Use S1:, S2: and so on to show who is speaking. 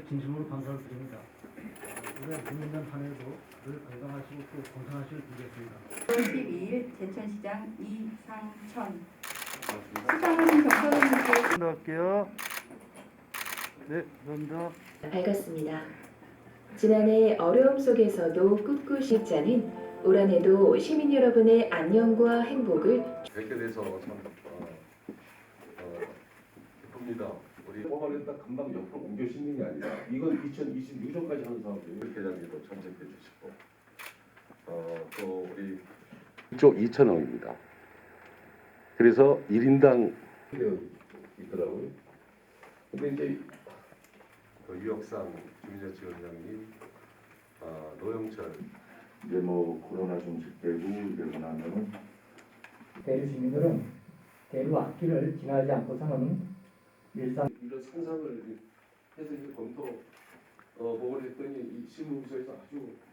S1: 진심으로 감사를 드립니다. 올해 문민년 한 해도 늘 건강하시고 또 건강하시길 빌겠습니다.
S2: 5월 12일 제천시장 이상천 시장님 경선님께
S1: 할게요. 네, 감사합니다.
S3: 밝았습니다. 지난해 어려움 속에서도 꿋꿋이 자는 올 한해도 시민 여러분의 안녕과 행복을
S4: 뵙게 돼서 참 기쁩니다. 우리
S5: 뽑아냈다 금방 옆으로 옮겨 싣는 게 아니라 이건 2026년까지 하는 사업이에요.
S4: 회장님도 참석해 주시고 또 우리 1조 2천억입니다. 그래서 1인당
S5: 되어 있더라고요. 근데 이제
S4: 유혁상 주민자치원장님, 노영철
S5: 이제 뭐 코로나 종식되고 이러고 나면은
S6: 대류 시민들은 대류 악기를 지나지 않고서는 일상
S5: 이런 상상을 해서 이제 검토